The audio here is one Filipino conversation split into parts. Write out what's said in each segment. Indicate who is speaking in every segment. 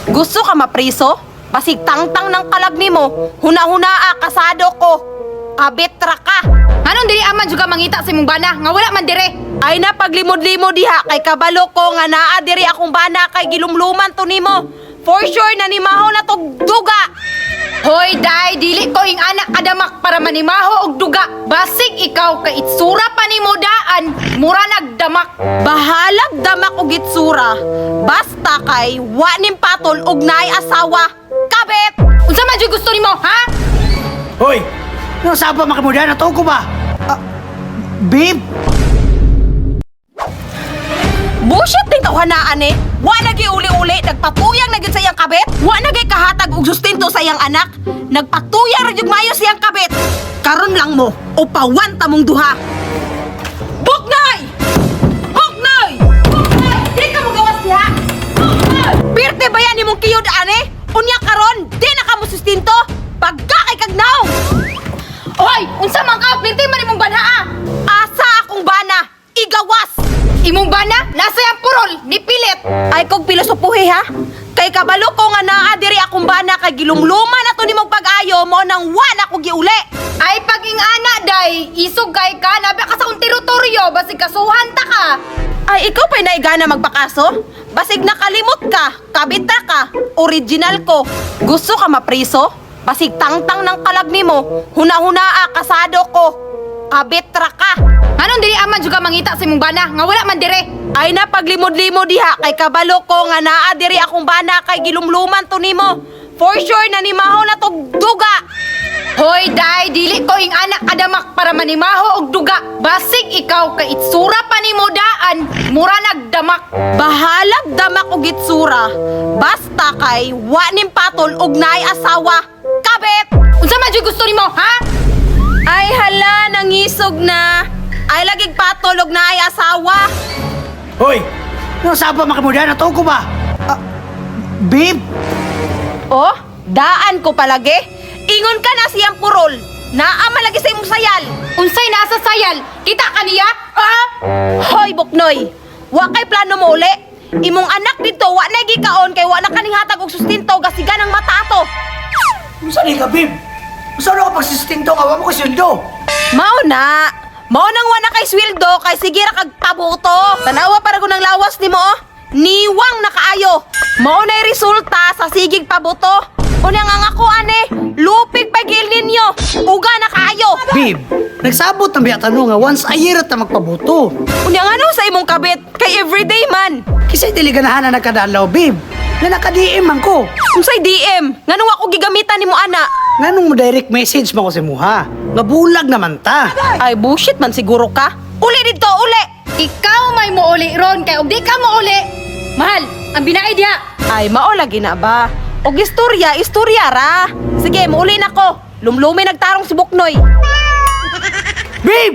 Speaker 1: Gusto ka mapriso? Basig tangtang ng kalagmi mo. Huna-hunaa, kasado ko. Kabitra ka.
Speaker 2: Anong dili aman juga mangita sa imong bana nga wala man dire?
Speaker 1: Ay na paglimod-limod diha kay kabalo ko nga naa diri akong bana kay gilumluman to nimo. For sure nanimaho na tog duga.
Speaker 2: Hoy day, dili ko ing anak kadamak para manimaho og duga. Basig ikaw kay itsura pa nimo daan, mura nagdamak.
Speaker 1: Bahalag damak og itsura. Basta kay wa nim patol og naay asawa. Kabit.
Speaker 2: Unsa man jud gusto nimo, ha?
Speaker 3: Hoy! Ano saan pa makimuda? Natuog ko ba? Babe?
Speaker 1: Bullshit din tawhanaan eh. Wa nagi uli-uli, nagpatuyang na gyud sa iyang kabit. Wa nagi kahatag og sustento sa iyang anak. Nagpatuyang ra gyud mayo sa iyang kabit. Karon lang mo, upawan ta mong duha. Buknoy! Buknoy! Buknoy! Di ka mo gawas diha. Buknoy! Pirte ba yan imong kiyod ane? Unya karon, di na ka mo sustento. Pagka kay kagnaw.
Speaker 2: Hoy, unsa man ka pirti man imong banhaa?
Speaker 1: Asa akong bana, igawas.
Speaker 2: Imong bana nasa yang purol ni pilit.
Speaker 1: Ay kog pilosopuhi ha. Kay kabalo ko nga naa diri akong bana kay gilumluman ato nimong pag-ayo mo nang wala ko giuli.
Speaker 2: Ay pag ing ana day, isog kay ka nabi ka sa kong teritoryo basig kasuhan ta ka.
Speaker 1: Ay ikaw pa'y naigana magpakaso? Basig nakalimot ka, kabita ka, original ko. Gusto ka mapriso? Basig tangtang ng kalagmi mo. Huna-hunaa, kasado ko. Kabitra ka.
Speaker 2: Anong dili aman juga mangita sa imong bana nga wala man dire?
Speaker 1: Ay na paglimod-limod diha kay kabalo ko nga naa diri akong bana kay gilumluman to nimo. For sure nanimaho na tog duga.
Speaker 2: Hoy day, dili ko ing anak kadamak para manimaho og duga. Basig ikaw kay itsura pa nimo daan, mura nagdamak.
Speaker 1: Bahalag damak og itsura. Basta kay wa nim patol og naay asawa. Kabit.
Speaker 2: Unsa man jud gusto nimo, ha?
Speaker 1: Ay hala, nangisog na. Ay lagig patol og naay asawa.
Speaker 3: Hoy! Ano saan pa makimuda? Natuog ko ba? Babe?
Speaker 1: Oh, daan ko palagi. Ingon ka na siyang purol. Naa malagi sa imong sayal.
Speaker 2: Unsay nasa sayal? Kita kaniya? Ha?
Speaker 1: Hoy, Buknoy. Wa kay plano mo uli. Imong anak dito, wa na gikaon kay wa na kaning hatag og sustento gasigan ang mata ato.
Speaker 3: Saan ka, babe? Saan ako pagsistinto? Awa mo ko sundo.
Speaker 1: Mao na. Mao nang wa na kay sweldo kay sige ra kag pabuto. Tanawa para ko ng lawas nimo oh. Niwang nakaayo. Mao na resulta sa sigig pabuto. Unya nga ako ane, lupig pagil ninyo. Uga na kaayo.
Speaker 3: Babe, nagsabot ng biya tanong nga once a year at na magpabuto.
Speaker 1: Unya nga no sa imong kabit kay everyday man.
Speaker 3: Kisa'y deliganahan na nagkadalaw, babe. Na naka-DM man ko.
Speaker 1: Unsay DM? Nganong ako gigamitan nimo ana?
Speaker 3: Nganong mo direct message mo ko si Muha? Nga bulag naman ta.
Speaker 1: Ay bullshit man siguro ka. Uli dito, uli.
Speaker 2: Ikaw may muuli ron kay og di ka muuli. Mahal, ang binaid diha.
Speaker 1: Ay mao lagi na ba? Og istorya ra. Sige, muuli na ko. Lumlumi nagtarong si Buknoy.
Speaker 3: Babe!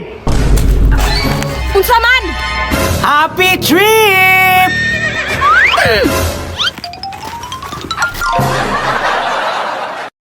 Speaker 1: Unsa man?
Speaker 3: Happy trip!